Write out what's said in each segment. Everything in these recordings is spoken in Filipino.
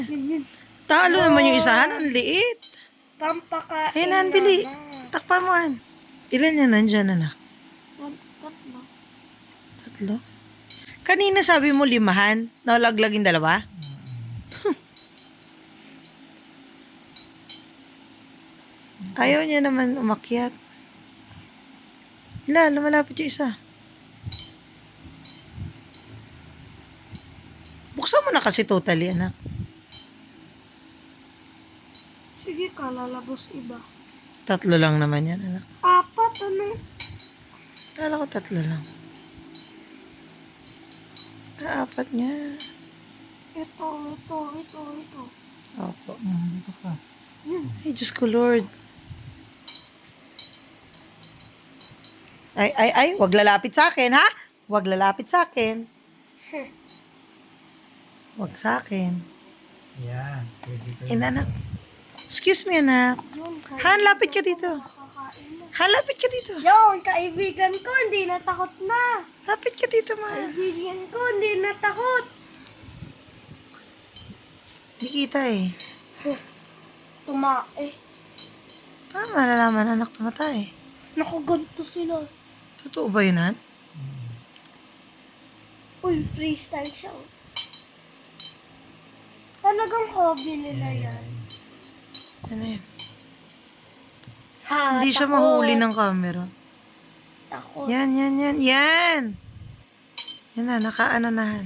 Yun. Talo naman yung isahan. Ang liit. Pampakain Ayun, Han, bili. na. Takpa mo, Han. Ilan yan nandyan, anak? Tatlo. Tatlo? Kanina sabi mo limahan. Nalaglag yung dalawa? Ayaw niya naman umakyat. Wala, lumalapit yung isa. Buksan mo na kasi totally, anak. Sige ka, lalabos iba. Tatlo lang naman yan, anak. Apat, ano? Kala ko tatlo lang. Apat nga. Ito. Opo. Dito ka. Yun. Ay, Diyos ko, Lord. Ay, wag lalapit sa akin, ha? Wag lalapit sa akin. Wag sa akin. Yan. Pwede ka. Anak. Excuse me, anak. Yun, Han, lapit ka dito. Makakain na. Han, lapit ka dito. Yun, kaibigan ko, hindi natakot na. Lapit ka dito, ma. Kaibigan ko, hindi natakot. Hindi kita eh. Tumae. Paano malalaman anak tumatay? Nakaganto sila. Totoo ba yun, Han? Uy, freestyle siya. Oh. Talagang hobby nila yan. Ano yun? Ha, Hindi siya takot. mahuli ng camera. Takot. Yan. Yan na, nakaano na, Han.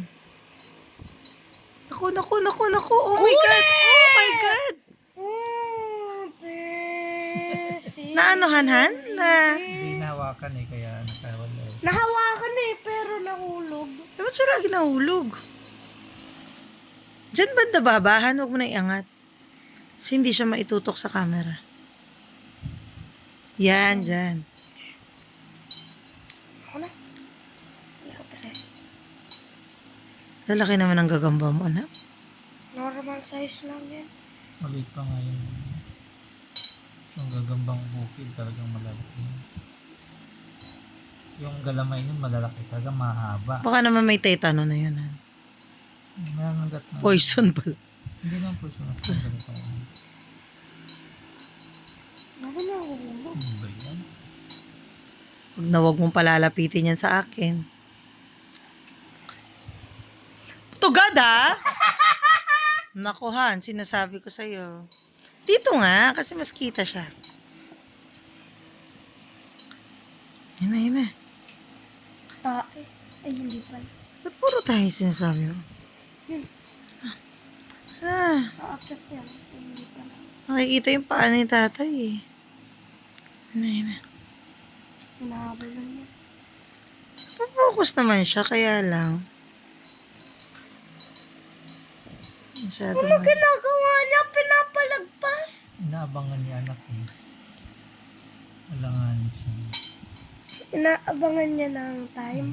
Naku. Oh my God. Oh my God. Naanohan, Han? Hindi nahawakan eh, kaya nakawala eh. Nahawakan eh, pero nahulog. Dapat siya lagi nahulog. Diyan banda babahan, huwag mo na iangat. Kasi hindi siya maitutok sa camera. Yan, dyan. Ako na. Hindi ka pala. Lalaki naman ang gagamba mo, anak. Normal size lang yan. Maliit pa nga yun. Yung gagambang bukid talagang malalaki. Yung galamay nun malalaki talaga mahaba. Baka naman may tetano na yun, Han. Meron gat na. Poison pala. Hindi naman poison na sa ganito. Ako na nahulog. Ano ba yan? Huwag na huwag mong palalapitin yan sa akin. Tugad, ha? Naku, Han, sinasabi ko sa'yo. Dito nga, kasi mas kita siya. Yun na. Tae. Ay, hindi pala. Ba't puro tayo sinasabi mo? Yun. Ah, Aakyat yan. Ay, hindi pala. nakikita yung paa ni tatay eh. Yun na. Hinahabol lang yan. Focus naman siya, kaya lang. Masyado Ano ginagawa niya? Pinapalagpas. Inaabangan ni anak eh. Alangan siya. Inaabangan niya ng time.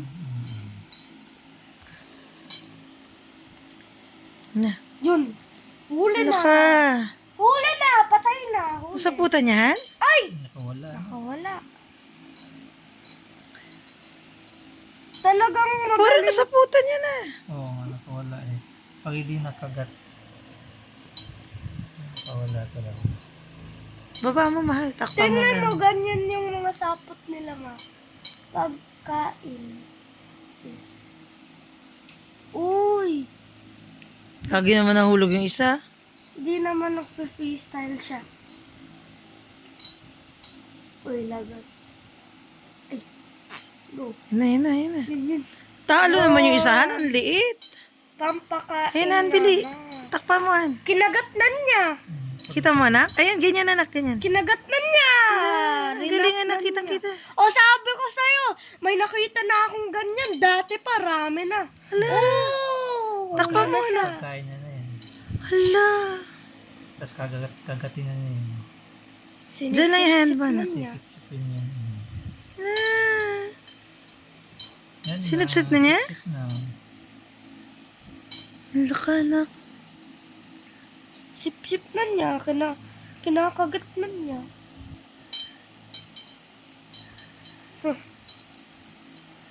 Na. Yun. Huli Ano na. ka? Huli na. Patay na. Huli. Sa puta niyan? Ay! Nakawala. Nakawala. Talagang Puro magaling. na sa puta niya na. Oo nga, nakawala eh. Pag hindi nakagat, nakawala talaga. Baba mo, mahal. Takpa mo. Tingnan mo, ganun. ganyan yung mga sapot nila, ma. Pagkain. Uy! Lagi naman nahulog yung isa. Di naman nag-freestyle siya. Uy, lagat. Ay. Go. Yun na. Yun. Talo naman yung isa, Han. Ang liit. Pampakain Ayun, Han, bili. na. Takpa mo, Han. Kinagatnan niya. Kita mo, anak? Ayan, ganyan, anak. Ganyan. Kinagatnan niya. Ang galing, anak. Rinatnan Kitang-kita. niya. O, sabi ko sa'yo, may nakita na akong ganyan. Dati parami na. Hala. Oh, Takpa mo, wala na siya. anak. Kain na na yan. Hala. Tapos kagatin na niya yan. Diyan lang yung handball. Sinisip-sip niya. Sisip-sipin yan. Hala. Yan Sinipsip na niya? Sip na. Hala ka, anak. Sip-sip na niya. Kinakagat na niya.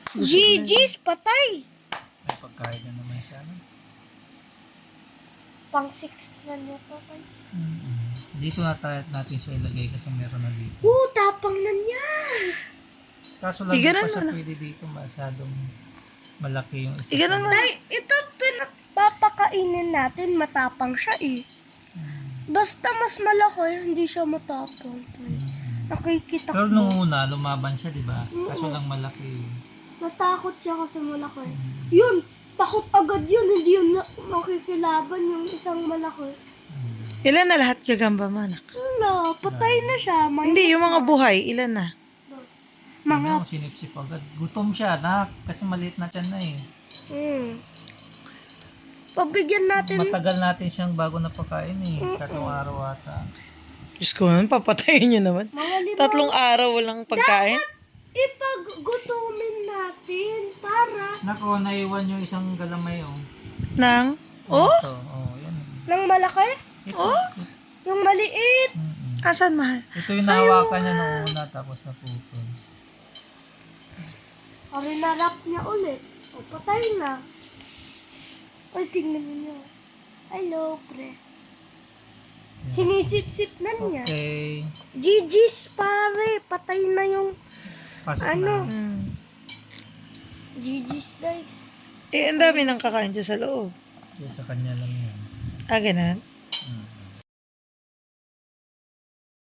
GG's, patay. May pagkain na naman siya. No? Pang 6 na niya to. Tay. Dito na tayo natin siya ilagay kasi meron na dito. Tapang na niya. Kaso lang di Iganon pa siya mo na. pwede dito. Masyadong malaki yung isa. Iganon mo. Tay, ito pinapapakainin natin. Matapang siya eh. Basta mas malaki, hindi siya matapang. Tay. Nakikita Pero ko. nung una, lumaban siya, di ba? Kaso lang malaki. Natakot siya kasi malaki. Yun, takot agad yun. Hindi yun makikilaban yung isang malaki. Ilan na lahat gagamba mo, anak? Wala, patay na siya. Hindi, yung mga buhay, ilan na? Mga, Tingnan mo, sinipsip agad. Gutom siya, anak. Kasi maliit na tiyan na eh. Pabigyan natin. Matagal natin siyang bago napakain eh. 3 araw ata. Diyos ko, papatayin nyo naman. Mga 3 araw walang pagkain? Ipaggutumin natin para Nako, naiwan yung isang galamay oh. Nang? Oh? Ito, oh, yan. ng malaki. Ito. Yung maliit. Asan, mahal? Ito yung nahawakan niya noong una tapos napupon. Rinarap niya ulit. O, patay na. Ay, tingnan niyo. Hello, pre. Sinisip-sip na niya. Okay. GG's, pare. Patay na yung Pasok Ano? na. GG's, guys. Eh, ang dami nang kakain dyan sa loob. Kaya sa kanya lang yan. Ah, ganun? Hmm.